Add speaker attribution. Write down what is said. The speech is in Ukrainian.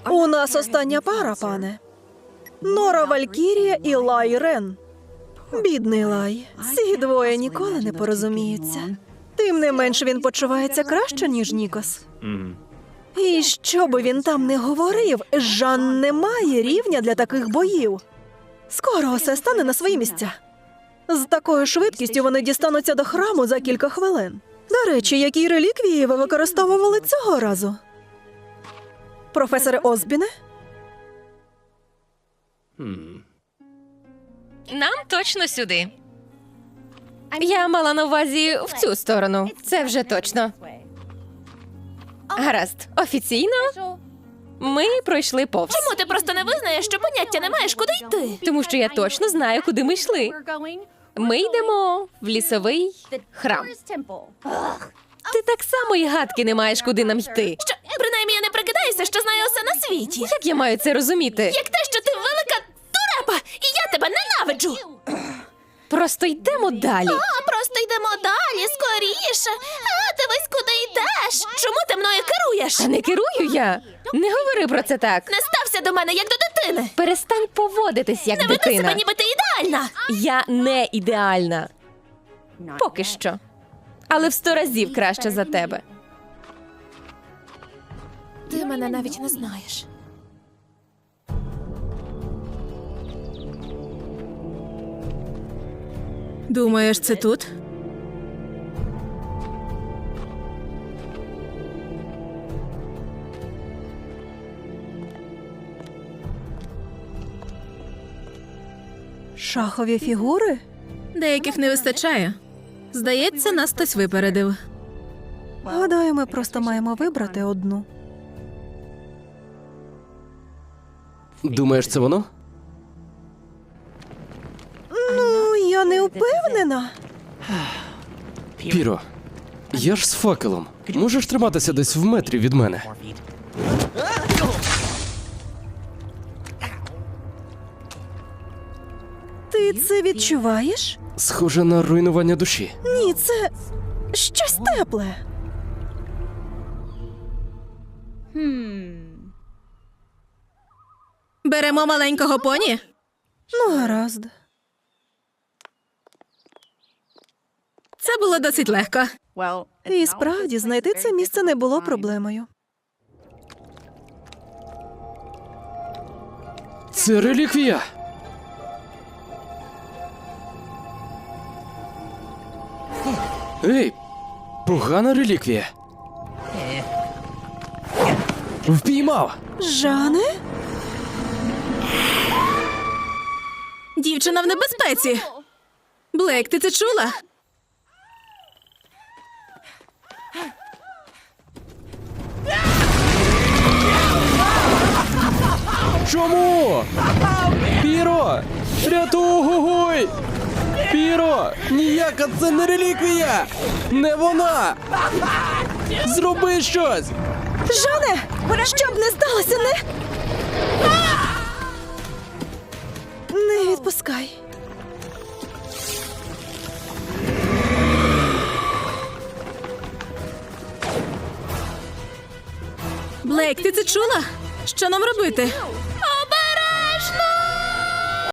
Speaker 1: У нас остання пара, пане. Нора Валькірія і Лай Рен. Бідний Лай. Ці двоє ніколи не порозуміються. Тим не менш він почувається краще, ніж Нікос. І що би він там не говорив, Жан не має рівня для таких боїв. Скоро усе стане на свої місця. З такою швидкістю вони дістануться до храму за кілька хвилин. До речі, які реліквії ви використовували цього разу? Професоре Озбіне?
Speaker 2: Нам точно сюди. Я мала на увазі в цю сторону. Це вже точно. Гаразд. Офіційно ми пройшли повз.
Speaker 3: Чому ти просто не визнаєш, що поняття не маєш, куди йти?
Speaker 2: Тому що я точно знаю, куди ми йшли. Ми йдемо в лісовий храм. Ти так само і гадки не маєш, куди нам йти.
Speaker 3: Що, принаймні, я не прикидаюся, що знаю усе на світі.
Speaker 2: Як я маю це розуміти?
Speaker 3: Як те, що ти велика дурепа, і я тебе ненавиджу.
Speaker 2: Просто йдемо далі.
Speaker 3: Просто йдемо далі, скоріше. Дивись, куди йдеш. Чому ти мною керуєш?
Speaker 2: Та не керую я. Не говори про це так.
Speaker 3: Не стався до мене, як до дитини.
Speaker 2: Перестань поводитись, як
Speaker 3: Не веди
Speaker 2: дитина.
Speaker 3: себе, ніби ти ідеальна.
Speaker 2: Я не ідеальна. Поки що. Але в 100 разів краще за тебе.
Speaker 3: Ти мене навіть не знаєш.
Speaker 4: Думаєш, це тут?
Speaker 1: Шахові фігури?
Speaker 4: Деяких не вистачає. Здається, нас хтось випередив.
Speaker 1: Гадаю, ми просто маємо вибрати одну.
Speaker 5: Думаєш, це воно?
Speaker 1: Ну, я не впевнена.
Speaker 5: Піро, я ж з факелом. Можеш триматися десь в метрі від мене?
Speaker 1: Ти це відчуваєш?
Speaker 5: Схоже на руйнування душі.
Speaker 1: Ні, це щось тепле.
Speaker 4: Беремо маленького поні?
Speaker 1: Ну, гаразд.
Speaker 4: Це було досить легко.
Speaker 1: І справді, знайти це місце не було проблемою.
Speaker 5: Це реліквія! Ей, погана реліквія. Впіймав!
Speaker 1: Жане?
Speaker 4: Дівчина в небезпеці. Блейк, ти це чула?
Speaker 5: Чому? Піро! Рятуй! Піро! Ніяка це не реліквія! Не вона! Зроби щось!
Speaker 1: Жане! Щоб не сталося, не... Не відпускай.
Speaker 4: Блейк, ти це чула? Що нам робити?